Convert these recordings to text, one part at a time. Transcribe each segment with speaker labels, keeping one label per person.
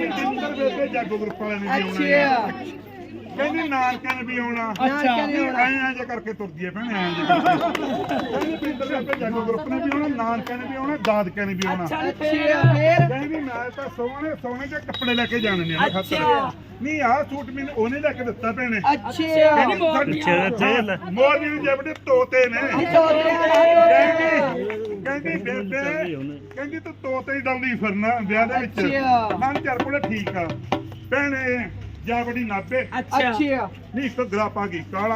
Speaker 1: ਜਿੰਦਰ ਬੇਬੇ ਜਾਗੋ ਗਰੁੱਪ ਵਾਲਿਆਂ ਨੇ ਵੀ ਆਉਣਾ ਕਹਿੰਦੀ ਨਾਨਕਿਆਂ ਨੇ ਵੀ ਆਉਣਾ ਐਂ ਜੇ ਕਰਕੇ ਤੁਰਦੀ ਹੈ ਭੈਣੇ ਐਂ ਜੇ ਕਹਿੰਦੀ ਜਿੰਦਰ ਬੇਬੇ ਜਾਗੋ ਗਰੁੱਪ ਨੇ ਵੀ ਆਉਣਾ ਨਾਨਕਿਆਂ ਨੇ ਵੀ ਆਉਣਾ ਦਾਦਕਿਆਂ ਨੇ ਵੀ ਆਉਣਾ ਕਹਿੰਦੀ ਮੈਂ ਤਾਂ ਸੋਹਣੇ ਸੋਹਣੇ ਜਿਹੇ ਕੱਪੜੇ ਲੈ ਕੇ ਜਾਣੇ ਨੇ ਖਾਤਰ ਨਹੀਂ ਆਹ ਸੂਟ ਮੈਨੂੰ ਉਹਨੇ ਲੈ ਕੇ ਦਿੱਤਾ ਭੈਣੇ ਮੋਰਨੀ ਨੂੰ ਜਿਹੜੇ ਤੋਤੇ ਨੇ ਕਹਿੰਦੀ ਬੇਬੇ ਕਹਿੰਦੀ ਤੂੰ ਤੋਤੇ ਹੀ ਡਾਉਂਦੀ ਫਿਰਨਾ ਵਿਆਹ ਦੇ ਵਿੱਚ ਮਨ ਚੱਲ ਕੋਲੇ ਠੀਕ ਆ ਭੈਣੇ ਜਾ ਬੜੀ ਨਾਬੇ ਨਹੀਂ ਘੱਗਰਾ ਪਾ ਗਈ ਕਾਲਾ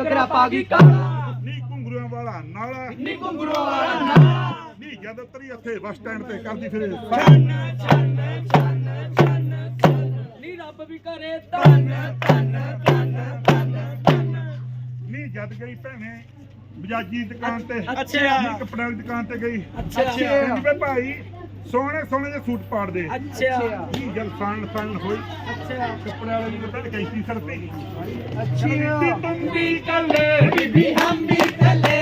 Speaker 1: ਨਹੀਂ ਘੁੰਗਰੂਆਂ ਵਾਲਾ ਨਾਲਾ ਨਹੀਂ ਜਦ ਤਰੀ ਇੱਥੇ ਬੱਸ ਸਟੈਂਡ ਤੇ ਕਰਦੀ ਫਿਰੇ
Speaker 2: ਨੀ ਰੱਬ ਵੀ ਕਰੇ ਧੰਨ
Speaker 1: ਨਹੀਂ ਜਦ ਗਈ ਭੈਣੇ ਬਜਾਜੀ ਦੁਕਾਨ ਤੇ ਨਹੀਂ ਕੱਪੜਿਆਂ ਦੀ ਦੁਕਾਨ ਤੇ ਗਈ ਕਹਿੰਦੀ ਵੇ ਭਾਈ ਸੋਹਣੇ ਸੋਹਣੇ ਜਿਹੇ ਸੂਟ ਪਾੜ ਦੇ ਨਹੀਂ ਜਦ ਫਨ ਹੋਈ ਕੱਪੜਿਆਂ ਵਾਲੀ ਨੂੰ ਤਾਂ ਕੈਂਚੀ ਸਰਤੀ ਬੀਬੀ ਤੁਮ ਵੀ ਕੱਲੇ ਬੀਬੀ ਹਮ ਵੀ ਕੱਲੇ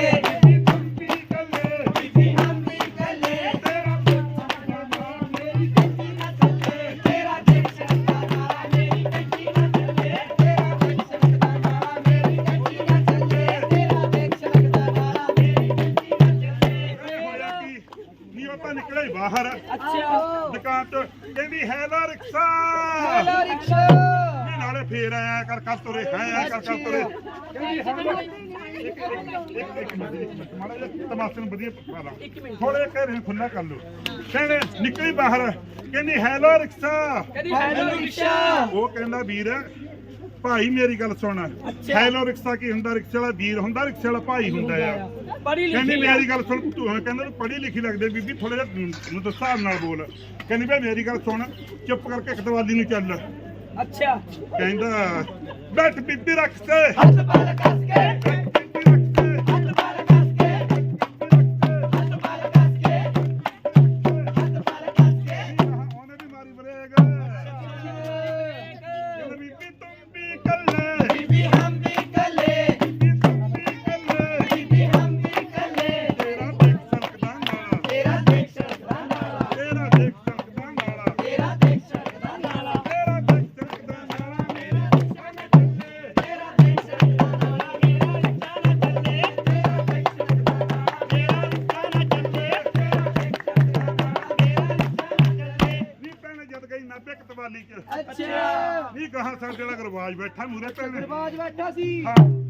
Speaker 1: ਨਿਕਲੇ ਬਾਹਰ ਦੁਕਾਨ ਤੋਂ ਕਹਿੰਦੀ ਹੈਲੋ ਰਿਕਸ਼ਾ ਨਾਲੇ ਫੇਰ ਆਇਆ ਕਰ ਤੁਰੇ ਆਇਆ ਕਰ ਤੁਰੇ ਇੱਕ ਮਿੰਟ ਮਾੜਾ ਜਿਹਾ ਤਮਾਸ਼ੇ ਨੂੰ ਵਧੀਆ ਪਾ ਲਾ ਥੋੜੇ ਘਰੇ ਖੁੱਲਾ ਕਰ ਲੋ ਕਹਿੰਦੇ ਨਿਕਲੀ ਬਾਹਰ ਕਹਿੰਦੀ ਹੈਲੋ ਰਿਕਸ਼ਾ ਉਹ ਕਹਿੰਦਾ ਵੀਰ ਭਾਈ ਮੇਰੀ ਗੱਲ ਸੁਣ ਹੈਲੋ ਰਿਕਸ਼ਾ ਕੀ ਹੁੰਦਾ ਰਿਕਸ਼ੇ ਵਾਲਾ ਵੀਰ ਹੁੰਦਾ ਰਿਕਸ਼ੇ ਵਾਲਾ ਭਾਈ ਹੁੰਦਾ ਆ ਕਹਿੰਦੀ ਮੇਰੀ ਗੱਲ ਸੁਣ ਤੂੰ ਕਹਿੰਦਾ ਤੂੰ ਪੜ੍ਹੀ ਲਿਖੀ ਲੱਗਦੇ ਬੀਬੀ ਥੋੜਾ ਜਿਹਾ ਮੈਨੂੰ ਤਾਂ ਹਿਸਾਬ ਨਾਲ ਬੋਲ ਕਹਿੰਦੀ ਭਾਈ ਮੇਰੀ ਗੱਲ ਸੁਣ ਚੁੱਪ ਕਰਕੇ ਕਤਵਾਲੀ ਨੂੰ ਚੱਲ ਕਹਿੰਦਾ ਬੈਠ ਬੀਬੀ ਰੱਖ ਤੇ ਨਹੀਂ ਕਹਾ ਸਾਡੇ ਵਾਲਾ ਗਰਵਾਜ ਬੈਠਾ ਮੂਰੇ ਭੈਣੇ
Speaker 2: ਬੈਠਾ ਸੀ